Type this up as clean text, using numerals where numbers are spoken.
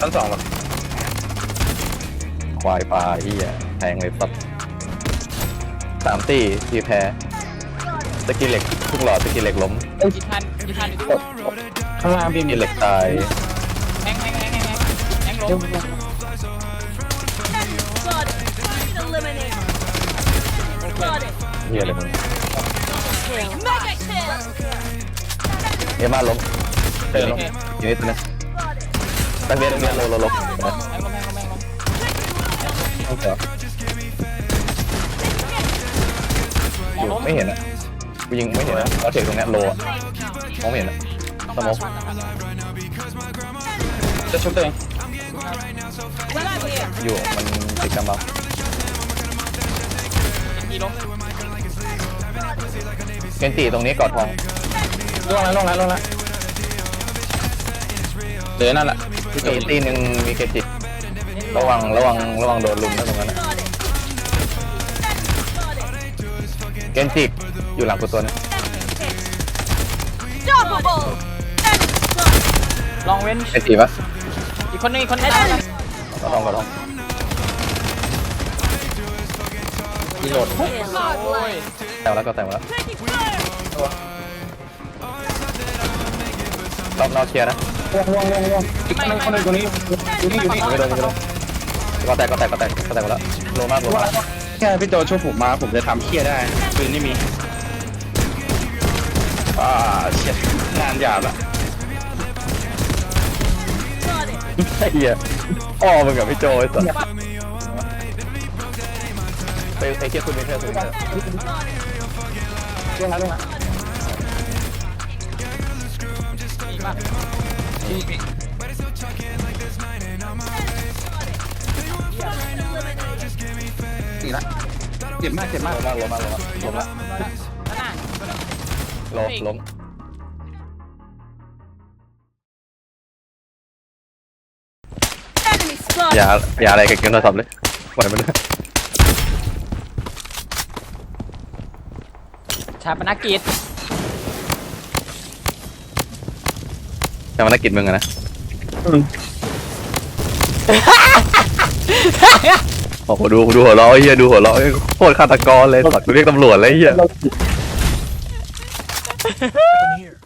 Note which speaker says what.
Speaker 1: ชั้น 2หรอ
Speaker 2: ควายปลาเฮียแทงเลยสัตว์3 ตีทีแพ้สกิลเหล็กทุกหลอดสกิลเหล็กล้ม
Speaker 3: ยิทัน
Speaker 1: ข้างล่างพี่
Speaker 2: ส
Speaker 1: มี
Speaker 2: กิลเหล็กตาย
Speaker 3: แฮงลง
Speaker 2: เฮียอะไรมึง
Speaker 4: Mega kill.
Speaker 2: เอมาล้มเดินล้มอยู่นิดนึงตั้งเวียนโล
Speaker 3: แ
Speaker 2: นะ
Speaker 3: ฮงลง
Speaker 2: ต้องเจออยู่ไม่เห็นอ่ะกูยิงไม่เห็นนะเราเทคตรงเนี้ยโลอ่ะมองไม่เห็นอ่ะสมอง
Speaker 1: จะชุบตัวเอง
Speaker 2: อยู่มันติดกำบัง
Speaker 3: กี่ลง
Speaker 2: เกนตีตรงนี้กอดทอง
Speaker 1: ล่วงแล้วเดี๋ยวนั่นแหละ
Speaker 2: ตีตีหนึ่งมีเกจิระวังโดนลุมนะตรงนั้นนะเกนจิอยู่หลังกูตัวนึง
Speaker 4: Double.
Speaker 3: ลองเว้น
Speaker 2: เกจิปะ
Speaker 3: อีกคนนึงตาย
Speaker 2: กอดทอง
Speaker 1: รีโหลด
Speaker 4: Godlike.
Speaker 2: แต่งแล้วก็แต่งแล้ว
Speaker 4: Taking fire.
Speaker 2: รอบนอกเคลียร์นะ
Speaker 1: ล่วงอีกคนนึงตรงนี้อยู่นี่
Speaker 2: ไม่โดนก็แตกไปแล้วโลมาก
Speaker 1: แค่พี่โจช่วยผมมาผมจะทำเครียดได้ปืนไม่มีเฉียดงานหยาบละ
Speaker 4: Got it.
Speaker 2: ไอ้เหี้ยพ่อมึงกับพี่โจไอ้สัสไปไอ้เคียคุณมีเธอ
Speaker 1: ล่วงแล้ว
Speaker 3: ดีมาก
Speaker 1: ตีละเจ็บมาก
Speaker 2: ล้มละ
Speaker 3: ข้างหน้า
Speaker 2: ล้ม
Speaker 4: Enemy spotted.
Speaker 2: อย่าอะไรกับเกมโทรศัพท์เลยปล่อยมันเลย
Speaker 3: ชาปนกิจ
Speaker 2: แต่มันนักกิจมึงอะนะโอ้โหดูหัวเราะไอ้เหี้ยดูหัวเราะโคตรฆาตกรเลยสัตว์กูเรียกตำรวจเลยไอ้เหี้ย